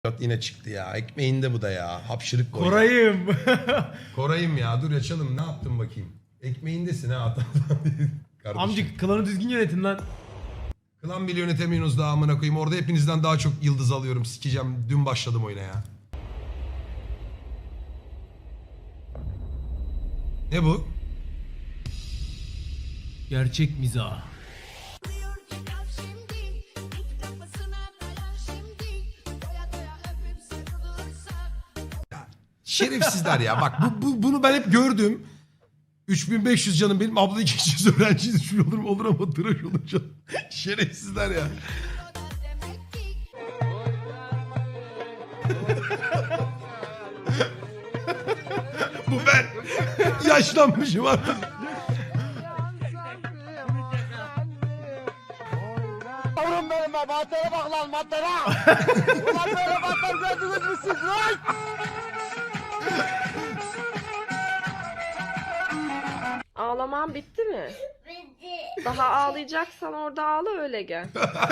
Yine çıktı ya. Ekmeğinde bu da ya. Hapşırık koy. Koray'ım. Koray'ım ya. Dur açalım. Ne yaptın bakayım. Ekmeğindesin ha. Kardeşim. Amcık klanı düzgün yönetin lan. Klan bile yönetemiyorsunuz daha amına koyayım. Orada hepinizden daha çok yıldız alıyorum. Sikeceğim. Dün başladım oyuna ya. Ne bu? Gerçek mizah. Şerefsizler ya. Bak bunu ben hep gördüm. 3500 canım benim. Abla 200 öğrenci düşmüyor olur ama tıraş olunca. Şerefsizler ya. Bu ben. Yaşlanmışım artık. Yavrum benim be, maddere bak lan maddere. Ulan böyle madder gördünüz mü siz lan? Ağlaman bitti mi? Bitti. Daha ağlayacaksan orada ağla öyle gel.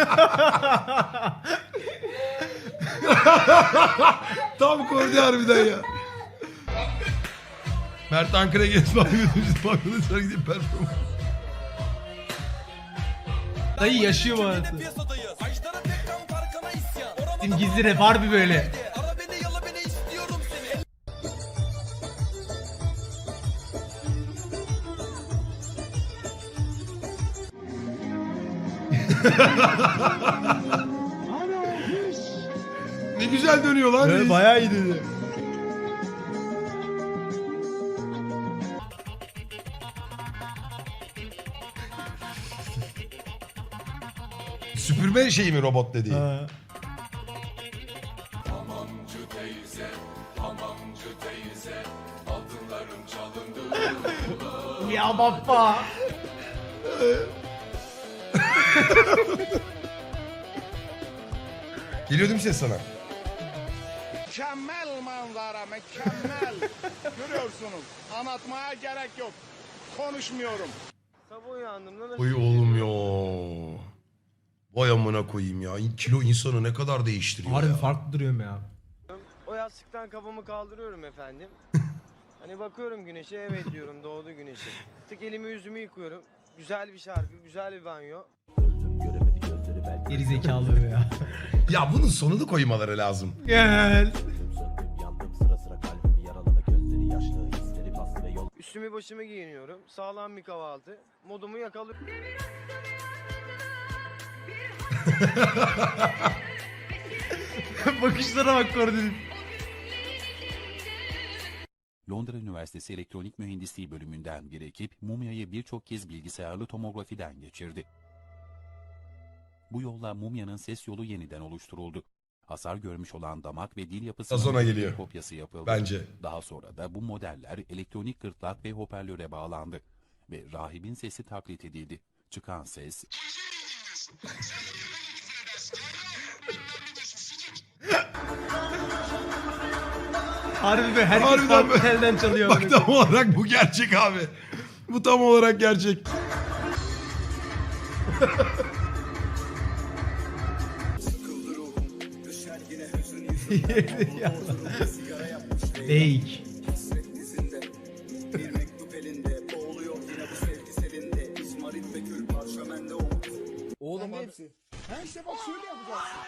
Tam kordi harbiden ya. Mert Ankara'ya gelip bakıyoruz. Gidip performans. Dayı yaşıyor mu hayatı? Bizim gizli rap harbi böyle. Ne güzel dönüyor lan. Evet, bayağı iyi dedi. Süpürme şeyi mi robot dediği? Ha. Ya baba. Geliyor değil mi ses sana? Mükemmel manzara, mükemmel. Görüyorsunuz, anlatmaya gerek yok. Konuşmuyorum. Sabah uyandım lan. Oy oğlum ya. Vay amına koyayım ya. Kilo insanı ne kadar değiştiriyor Harbi ya. farklı duruyorum ya. O yastıktan kafamı kaldırıyorum efendim. Hani bakıyorum güneşe, evet diyorum, doğdu güneşi. Tık elimi yüzümü yıkıyorum. Güzel bir şarkı, güzel bir banyo. Geri zekalı ya. Ya bunun sonunu koymaları lazım. Gel. Üstümü başımı giyiniyorum. Sağlam bir kahvaltı. Modumu yakalıyorum. Bakışlara bak Koray'ın. Londra Üniversitesi Elektronik Mühendisliği bölümünden bir ekip mumyayı birçok kez bilgisayarlı tomografiden geçirdi. Bu yolla mumyanın ses yolu yeniden oluşturuldu. Hasar görmüş olan damak ve dil Sonra yapısının geliyor. bir kopyası yapıldı. Bence. Daha sonra da bu modeller elektronik gırtlak ve hoparlöre bağlandı ve rahibin sesi taklit edildi. Çıkan ses Harbi be, herkes Harbiden farklı be. telden çalıyor. Bak tam olarak bu gerçek abi. Bu tam olarak gerçek. Fake. Oğlum hepsi. Ha işte bak şöyle yapacaksın.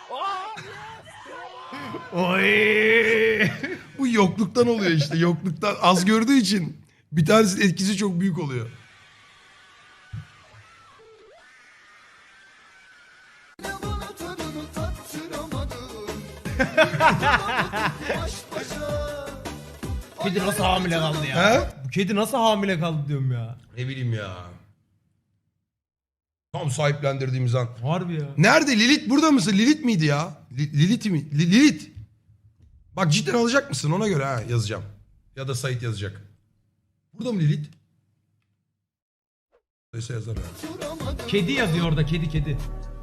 Oy. Bu yokluktan oluyor işte. Yokluktan az gördüğü için bir tanesinin etkisi çok büyük oluyor. Kedi nasıl hamile kaldı ya? He? Bu kedi nasıl hamile kaldı diyorum ya. Ne bileyim ya. Tam sahiplendirdiğimiz an. Harbi ya. Nerede? Lilith burada mısın? Lilith miydi ya? Lilith mi? Lilith. Bak cidden alacak mısın? Ona göre ha yazacağım. Ya da Sait yazacak. Burada mı Lilith? Neyse yazar ya. Kedi yazıyor orada, kedi.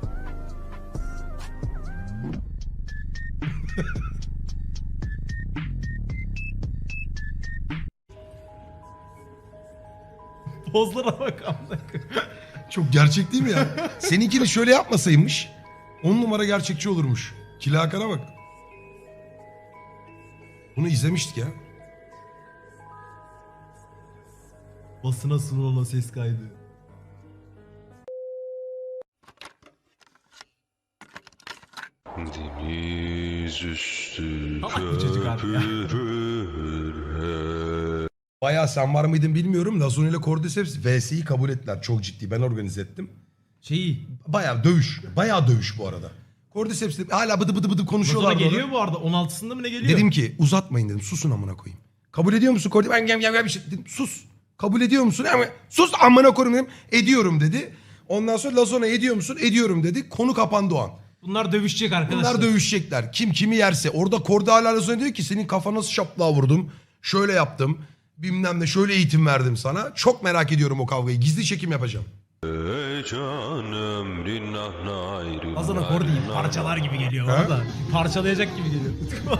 Pozlara bak amına. Çok gerçek değil mi ya? Seninkini şöyle yapmasaymış 10 numara gerçekçi olurmuş. Kilakara bak. Bunu izlemiştik ya. Basına sunulan ses kaydı. Deniz üstü Salak bu çocuk abi ya. Bayağı sen var mıydın bilmiyorum. Lazone ile Cordyceps VS'yi kabul ettiler. Çok ciddi. Ben organize ettim. Şeyi. Bayağı dövüş. Bayağı dövüş bu arada. Cordyceps de hala bıdı bıdı bıdı konuşuyorlar. Lazona orada. geliyor bu arada. 16'sında mı ne geliyor? Dedim ki uzatmayın dedim. Susun amına koyayım. Kabul ediyor musun Cordyceps? Ben bir şey dedim. Sus. Kabul ediyor musun? Sus amına koyayım dedim. Ediyorum dedi. Ondan sonra Lazone ediyor musun? Ediyorum dedi. Konu kapandı o an. Bunlar dövüşecek arkadaşlar. Bunlar dövüşecekler. Kim kimi yerse. Orada Korda hala Lazone diyor ki senin kafana nasıl şaplığa vurdum. Şöyle yaptım. Bilmem ne şöyle eğitim verdim sana. Çok merak ediyorum o kavgayı. Gizli çekim yapacağım. canım rinnah ayrı. Lazona Kordi'yi parçalar gibi geliyor Ha? orada. Parçalayacak gibi geliyor.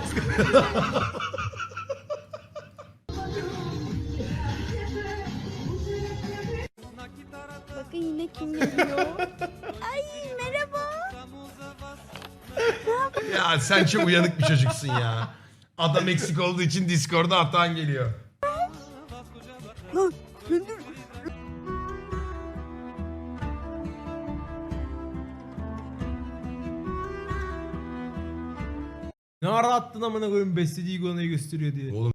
Bakın yine kim geliyor? Ay merhaba. Ya sen çok uyanık bir çocuksun ya. Adam eksik olduğu için Discord'da hatan geliyor. Ne ara attın amına koyayım beslediği iguanayı gösteriyor diye. Oğlum